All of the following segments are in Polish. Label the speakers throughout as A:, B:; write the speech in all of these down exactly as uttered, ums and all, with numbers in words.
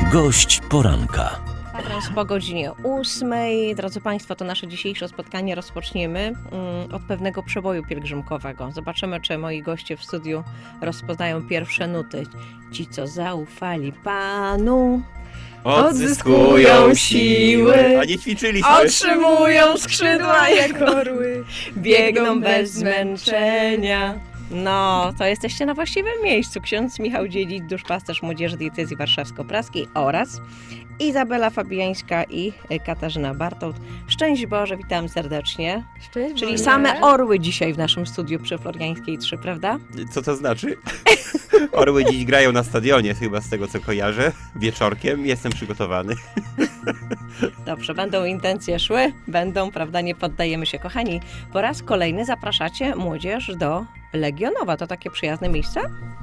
A: Gość poranka.
B: Kwadrans po godzinie ósmej. Drodzy Państwo, to nasze dzisiejsze spotkanie rozpoczniemy mm, od pewnego przeboju pielgrzymkowego. Zobaczymy, czy moi goście w studiu rozpoznają pierwsze nuty. Ci, co zaufali Panu,
C: Odzyskują siły, a nie ćwiczyliśmy.
B: otrzymują skrzydła jak
C: orły,
B: biegną bez zmęczenia. No, to jesteście na właściwym miejscu. Ksiądz Michał Dziedzic, duszpasterz Młodzieży Diecezji Warszawsko-Praskiej oraz Izabela Fabiańska i Katarzyna Bartoł. Szczęść Boże, witam serdecznie.
D: Szczęść
B: Czyli
D: Boże.
B: same orły dzisiaj w naszym studiu przy Floriańskiej trzy, prawda?
C: Co to znaczy? Orły dziś grają na stadionie, chyba z tego co kojarzę. Wieczorkiem, jestem przygotowany.
B: Dobrze, będą intencje szły, będą, prawda, nie poddajemy się. Kochani, po raz kolejny zapraszacie młodzież do Legionowa. To takie przyjazne miejsce?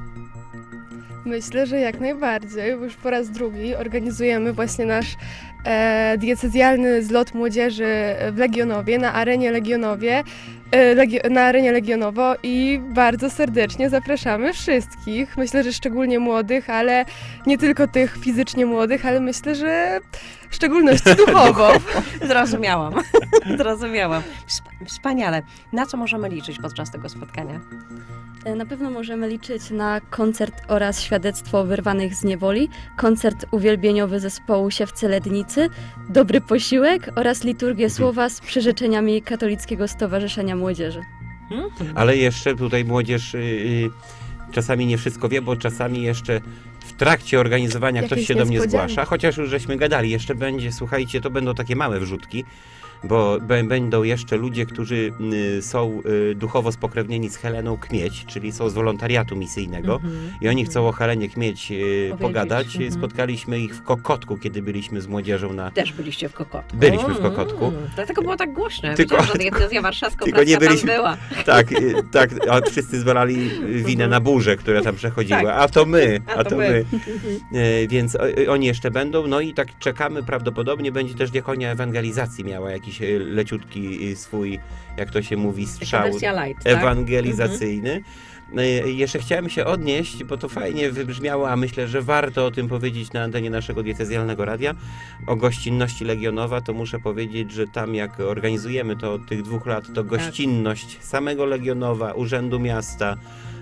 D: Myślę, że jak najbardziej, bo już po raz drugi organizujemy właśnie nasz e, diecezjalny zlot młodzieży w Legionowie, na arenie Legionowie, e, Legio, na arenie Legionowo i bardzo serdecznie zapraszamy wszystkich. Myślę, że szczególnie młodych, ale nie tylko tych fizycznie młodych, ale myślę, że w szczególności duchowo.
B: Zrozumiałam. Zrozumiałam. Wsp- Wspaniale. Na co możemy liczyć podczas tego spotkania?
E: Na pewno możemy liczyć na koncert oraz świadectwo wyrwanych z niewoli, koncert uwielbieniowy zespołu Siewcy Lednicy, dobry posiłek oraz liturgię słowa z przyrzeczeniami Katolickiego Stowarzyszenia Młodzieży.
B: Hmm?
C: Ale jeszcze tutaj młodzież y, y, czasami nie wszystko wie, bo czasami jeszcze w trakcie organizowania
D: Jakieś
C: ktoś się do mnie
D: niespodzianki.
C: zgłasza, chociaż już żeśmy gadali, jeszcze będzie, słuchajcie, to będą takie małe wrzutki, bo b- będą jeszcze ludzie, którzy y, są y, duchowo spokrewnieni z Heleną Kmieć, czyli są z wolontariatu misyjnego
B: Mhm.
C: i oni chcą o Helenie Kmieć y, pogadać.
B: Mhm.
C: Spotkaliśmy ich w Kokotku, kiedy byliśmy z młodzieżą na...
B: Też byliście w Kokotku.
C: Byliśmy w Kokotku.
B: Mm, dlatego było tak głośno.
C: Tylko-
B: Wiedziałam, że diecezja warszawska
C: tylko nie byliśmy-
B: tam była.
C: Tak, y, tak, a wszyscy zwalali winę na burzę, która tam przechodziła,
B: Tak.
C: a to my,
B: A
C: a
B: to
C: to
B: my.
C: my. Y, Więc o- y, oni jeszcze będą, no i tak czekamy, prawdopodobnie będzie też diakonia ewangelizacji miała jakiś y, leciutki y, swój, jak to się mówi,
B: Taka
C: strzał
B: wersja light, tak?
C: ewangelizacyjny. Y, Jeszcze chciałem się odnieść, bo to fajnie wybrzmiało, a myślę, że warto o tym powiedzieć na antenie naszego diecezjalnego radia, o gościnności Legionowa, to muszę powiedzieć, że tam jak organizujemy to od tych dwóch lat, to gościnność samego Legionowa, Urzędu Miasta,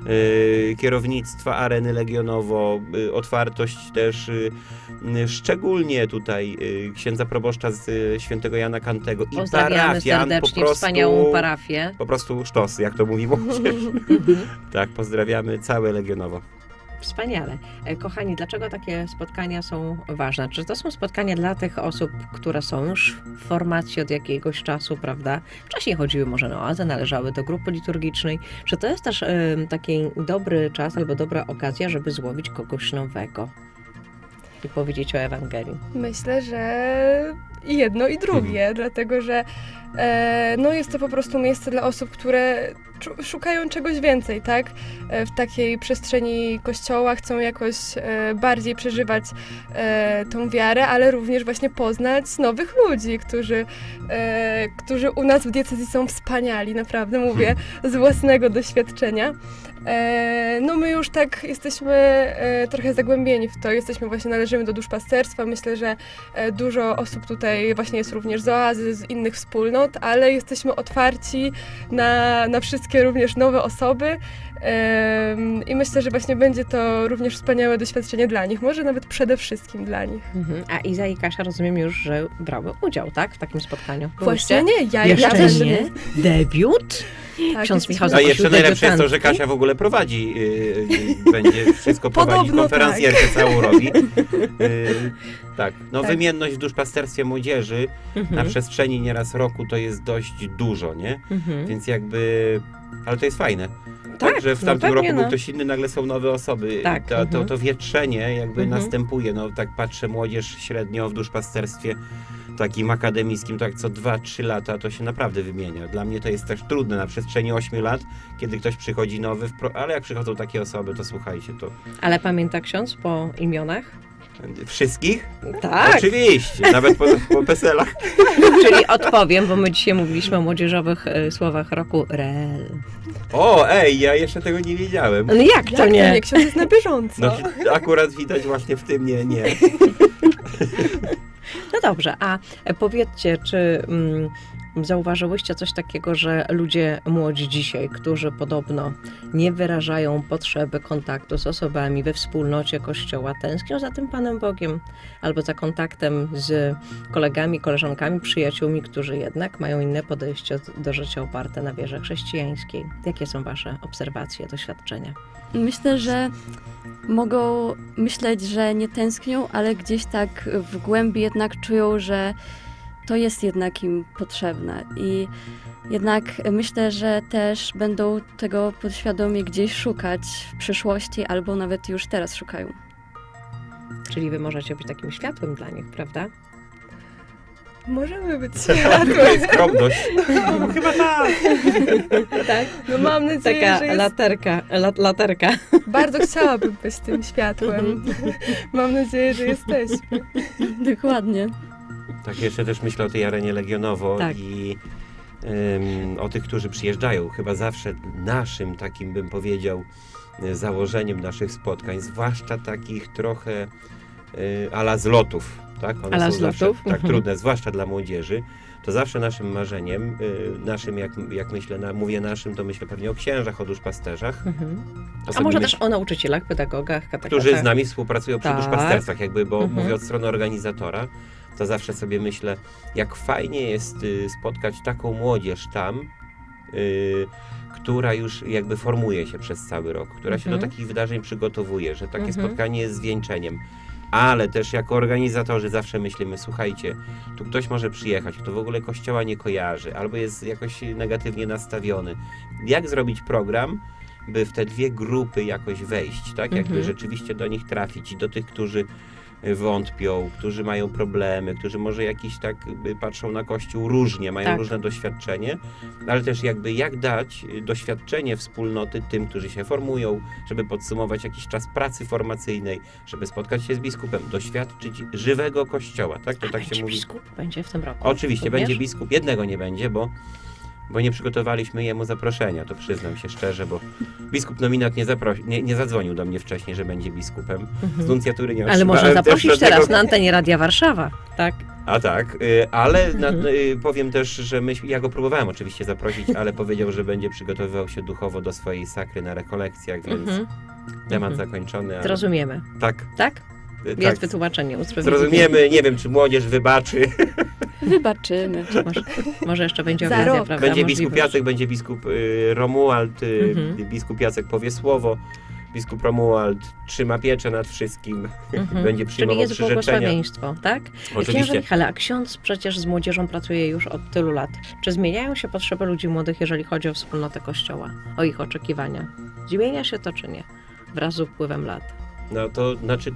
C: y, kierownictwa Areny Legionowo, y, otwartość też y, y, szczególnie tutaj y, księdza proboszcza z y, świętego Jana Kantego i
B: Pozdrawiamy
C: parafian, po
B: serdecznie
C: prostu,
B: wspaniałą parafię.
C: po prostu sztos, jak to mówi młodzież. Tak, pozdrawiamy całe Legionowo.
B: Wspaniale. E, Kochani, dlaczego takie spotkania są ważne? Czy to są spotkania dla tych osób, które są już w formacji od jakiegoś czasu, prawda? Wcześniej chodziły może na oazę, należały do grupy liturgicznej. Czy to jest też e, taki dobry czas albo dobra okazja, żeby złowić kogoś nowego i powiedzieć o Ewangelii?
D: Myślę, że i jedno i drugie, dlatego że e, no jest to po prostu miejsce dla osób, które czu- szukają czegoś więcej, tak? E, w takiej przestrzeni kościoła chcą jakoś e, bardziej przeżywać e, tą wiarę, ale również właśnie poznać nowych ludzi, którzy, e, którzy u nas w diecezji są wspaniali, naprawdę mówię z własnego doświadczenia. E, no my już tak jesteśmy e, trochę zagłębieni w to, jesteśmy właśnie, należymy do duszpasterstwa, myślę, że e, dużo osób tutaj właśnie jest również z oazy, z innych wspólnot, ale jesteśmy otwarci na, na wszystkie również nowe osoby e, i myślę, że właśnie będzie to również wspaniałe doświadczenie dla nich, może nawet przede wszystkim dla nich.
B: Mhm. A Iza i Kasia rozumiem już, że brały udział, tak? W takim spotkaniu.
D: Właśnie nie, ja
B: Jeszcze
D: ja też
B: nie? Debiut?
D: Tak,
B: Ksiądz Michał
C: A
B: zaprosił
C: jeszcze najlepsze jest to, że
B: debiutantki.
C: Kasia w ogóle prowadzi, yy, będzie wszystko prowadzić,
D: Podobno
C: konferencjerkę całą robi. Yy, tak, no
D: Tak.
C: wymienność w duszpasterstwie młodzieży na
B: Mhm.
C: przestrzeni nieraz roku to jest dość dużo, nie?
B: Mhm.
C: Więc jakby, ale to jest fajne.
B: Tak,
C: że w
B: no
C: tamtym
B: pewnie,
C: roku był
B: no.
C: ktoś inny, nagle są nowe osoby.
B: Tak,
C: To, to,
B: mhm.
C: to wietrzenie jakby
B: Mhm.
C: następuje. No tak patrzę, młodzież średnio w duszpasterstwie takim akademickim, tak co dwa trzy lata to się naprawdę wymienia. Dla mnie to jest też trudne na przestrzeni ośmiu lat, kiedy ktoś przychodzi nowy, w pro... ale jak przychodzą takie osoby, to słuchajcie, to
B: Ale pamięta ksiądz po imionach?
C: Wszystkich?
B: Tak,
C: Oczywiście, nawet po, po peselach.
B: czyli odpowiem, bo my dzisiaj mówiliśmy o młodzieżowych e, słowach roku rel.
C: O, ej, ja jeszcze tego nie wiedziałem.
B: No jak
D: Jak
B: to
D: to
B: nie?
D: nie? Ksiądz jest na bieżąco.
C: No, akurat widać właśnie w tym nie, nie.
B: No dobrze, a powiedzcie, czy mm, zauważyłyście coś takiego, że ludzie młodzi dzisiaj, którzy podobno nie wyrażają potrzeby kontaktu z osobami we wspólnocie Kościoła, tęsknią za tym Panem Bogiem albo za kontaktem z kolegami, koleżankami, przyjaciółmi, którzy jednak mają inne podejście do życia oparte na wierze chrześcijańskiej. Jakie są Wasze obserwacje, doświadczenia?
E: Myślę, że mogą myśleć, że nie tęsknią, ale gdzieś tak w głębi jednak czują, że to jest jednak im potrzebne. I jednak myślę, że też będą tego podświadomie gdzieś szukać w przyszłości, albo nawet już teraz szukają.
B: Czyli Wy możecie być takim światłem dla nich, prawda?
D: Możemy być światłem.
C: Skromność. No, chyba tak.
B: Tak.
D: No mam nadzieję,
B: Taka
D: że jest...
B: laterka, lat, laterka.
D: Bardzo chciałabym być tym światłem. Mam nadzieję, że jesteśmy.
E: Dokładnie.
C: Tak, jeszcze też myślę o tej arenie Legionowo
B: Tak.
C: i ym, o tych, którzy przyjeżdżają. Chyba zawsze naszym takim, bym powiedział, y, założeniem naszych spotkań, zwłaszcza takich trochę y, ala zlotów, tak? One
B: Ala
C: są zawsze
B: zlotów?
C: tak
B: Mhm.
C: trudne, zwłaszcza dla młodzieży. To zawsze naszym marzeniem, y, naszym, jak, jak myślę, na, mówię naszym, to myślę pewnie o księżach, o duszpasterzach.
B: Mhm.
C: To
B: A
C: sobie
B: może
C: myśl-
B: też o nauczycielach, pedagogach, katechetach.
C: którzy z nami współpracują przy
B: Tak.
C: duszpasterstwach, jakby, bo
B: Mhm.
C: mówię od strony organizatora, to zawsze sobie myślę, jak fajnie jest y, spotkać taką młodzież tam, y, która już jakby formuje się przez cały rok, która się do
B: Mhm.
C: takich wydarzeń przygotowuje, że takie
B: Mhm.
C: spotkanie jest zwieńczeniem. Ale też jako organizatorzy zawsze myślimy, słuchajcie, tu ktoś może przyjechać, kto w ogóle kościoła nie kojarzy, albo jest jakoś negatywnie nastawiony. Jak zrobić program, by w te dwie grupy jakoś wejść, tak? Jakby
B: Mhm.
C: rzeczywiście do nich trafić i do tych, którzy wątpią, którzy mają problemy, którzy może jakiś tak y, patrzą na Kościół różnie, mają
B: Tak.
C: różne doświadczenie, ale też jakby jak dać y, doświadczenie wspólnoty tym, którzy się formują, żeby podsumować jakiś czas pracy formacyjnej, żeby spotkać się z biskupem, doświadczyć żywego Kościoła, tak? To
B: A
C: tak
B: będzie
C: się mówi.
B: biskup? Będzie w tym roku?
C: Oczywiście,
B: Również?
C: będzie biskup. Jednego nie będzie, bo, bo nie przygotowaliśmy jemu zaproszenia, to przyznam się szczerze, bo biskup nominat nie, zaprosi, nie, nie zadzwonił do mnie wcześniej, że będzie biskupem. Z
B: Mhm.
C: nuncjatury nie
B: Ale
C: otrzymałem
B: można
C: też
B: zaprosić
C: żadnego-
B: teraz na antenie Radia Warszawa, tak?
C: A tak, y, ale na,
B: Mhm.
C: y, powiem też, że myśmy, ja go próbowałem oczywiście zaprosić, ale powiedział, że będzie przygotowywał się duchowo do swojej sakry na rekolekcjach, więc
B: Mhm.
C: temat
B: Mhm.
C: zakończony. Ale...
B: Zrozumiemy,
C: Tak,
B: tak?
C: y,
B: Jest
C: tak.
B: wytłumaczenie, usprawiedliwienie.
C: Zrozumiemy, nie wiem, czy młodzież wybaczy.
E: Wybaczymy.
B: Może, może jeszcze będzie
D: Za
B: okazja,
D: rok.
B: prawda?
C: Będzie biskup
B: Możliwość.
C: Jacek, będzie biskup y, Romuald, y,
B: Mhm.
C: biskup Jacek powie słowo, biskup Romuald trzyma pieczę nad wszystkim,
B: Mhm.
C: będzie
B: Czyli
C: przyjmował
B: jest
C: przyrzeczenia.
B: błogosławieństwo, tak? Księże
C: Oczywiście.
B: Michale, a ksiądz przecież z młodzieżą pracuje już od tylu lat. Czy zmieniają się potrzeby ludzi młodych, jeżeli chodzi o wspólnotę Kościoła, o ich oczekiwania? Zmienia się to czy nie? Wraz z upływem lat.
C: No to znaczy,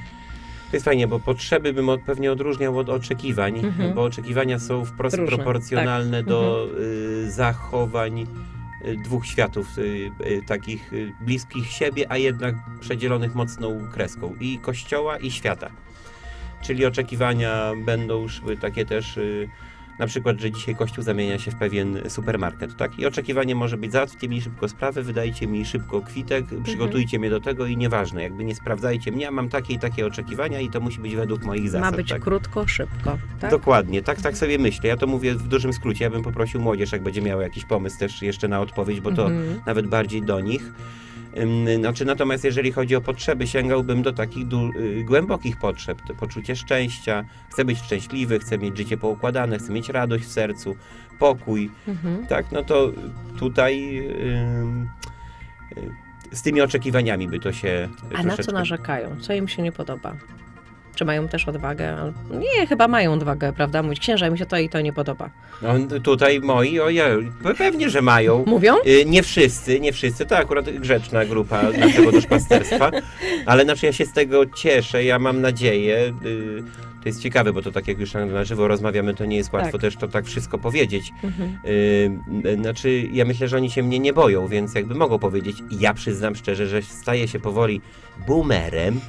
C: to jest fajnie, bo potrzeby bym od, pewnie odróżniał od oczekiwań,
B: Mhm.
C: bo oczekiwania są wprost
B: Różne,
C: proporcjonalne do y, zachowań y, dwóch światów, y, y, takich y, bliskich siebie, a jednak przedzielonych mocną kreską, i Kościoła, i świata. Czyli oczekiwania będą szły takie też, y, na przykład, że dzisiaj Kościół zamienia się w pewien supermarket, tak? I oczekiwanie może być: załatwcie mi szybko sprawę, wydajcie mi szybko kwitek, przygotujcie mnie do tego i nieważne, jakby nie sprawdzajcie mnie, ja mam takie i takie oczekiwania i to musi być według moich zasad.
B: Ma być
C: tak?
B: krótko, szybko, tak?
C: Dokładnie, tak, tak sobie myślę. Ja to mówię w dużym skrócie. Ja bym poprosił młodzież, jak będzie miała jakiś pomysł też jeszcze na odpowiedź, bo to
B: Mhm.
C: nawet bardziej do nich. Ym, Znaczy, natomiast jeżeli chodzi o potrzeby, sięgałbym do takich du- y, głębokich potrzeb. To poczucie szczęścia, chcę być szczęśliwy, chcę mieć życie poukładane, chcę mieć radość w sercu, pokój,
B: Mhm.
C: tak, no to tutaj ym, y, z tymi oczekiwaniami by to się
B: A na co
C: troszeczkę...
B: narzekają? Co im się nie podoba? Czy mają też odwagę? Al- Nie, chyba mają odwagę, prawda? Mówić, księża, mi się to i to nie podoba.
C: No, tutaj moi, ojej, pewnie, że mają.
B: Mówią?
C: Y, Nie wszyscy, nie wszyscy, to akurat grzeczna grupa naszego duszpasterstwa, ale znaczy ja się z tego cieszę, ja mam nadzieję, y, to jest ciekawe, bo to tak jak już na żywo rozmawiamy, to nie jest łatwo
B: Tak.
C: też to tak wszystko powiedzieć.
B: Mhm.
C: Y, Znaczy ja myślę, że oni się mnie nie boją, więc jakby mogą powiedzieć, i ja przyznam szczerze, że staję się powoli boomerem,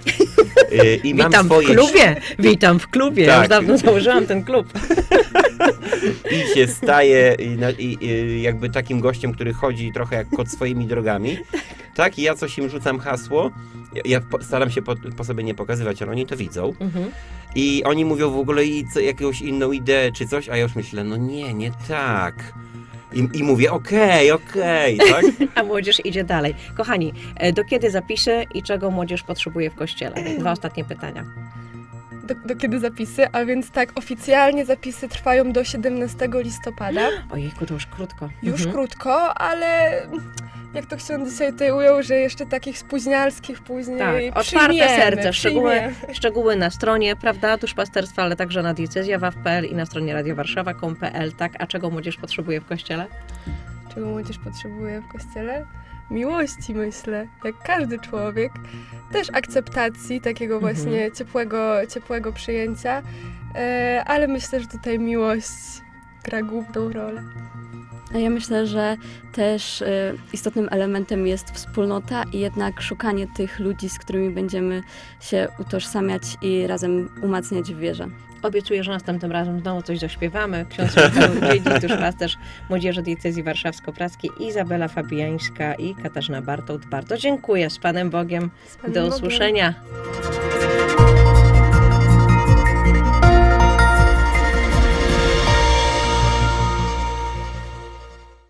C: Y, I mam
B: Witam
C: swoje...
B: w klubie, witam w klubie. Ja
C: Tak.
B: już dawno założyłam ten klub.
C: I się staje i, na- i, i jakby takim gościem, który chodzi trochę jak kot swoimi drogami. Tak, i ja coś im rzucam hasło. Ja, ja po, staram się po, po sobie nie pokazywać, ale oni to widzą.
B: Mhm.
C: I oni mówią w ogóle i co, jakąś inną ideę czy coś, a ja już myślę, no nie, nie tak. I, i mówię, okej, okej, tak?
B: A młodzież idzie dalej. Kochani, e, do kiedy zapisy i czego młodzież potrzebuje w kościele? Dwa ostatnie pytania.
D: Do, do kiedy zapisy? A więc tak, oficjalnie zapisy trwają do siedemnastego listopada.
B: Ojejku, to już krótko.
D: Już
B: Mhm.
D: krótko, ale jak to ksiądz dzisiaj tutaj ujął, że jeszcze takich spóźnialskich później
B: Tak, otwarte
D: przyjmiemy,
B: serce, szczegóły,
D: przyjmiemy.
B: szczegóły na stronie, prawda, duszpasterstwa, ale także na diecezja waw kropka p l i na stronie radiowarszawa kropka com kropka p l, tak? A czego młodzież potrzebuje w kościele?
D: Czego młodzież potrzebuje w kościele? Miłości, myślę, jak każdy człowiek. Też akceptacji, takiego
B: Mhm.
D: właśnie ciepłego, ciepłego przyjęcia, e, ale myślę, że tutaj miłość gra główną rolę.
E: A ja myślę, że też y, istotnym elementem jest wspólnota i jednak szukanie tych ludzi, z którymi będziemy się utożsamiać i razem umacniać w wierze.
B: Obiecuję, że następnym razem znowu coś zaśpiewamy. Ksiądz Dziedzic, duszpasterz Młodzieży Diecezji Warszawsko-Praskiej, Izabela Fabiańska i Katarzyna Bartołt. Bardzo dziękuję. Z Panem Bogiem.
D: Z Panem
B: Do
D: Bogiem.
B: usłyszenia.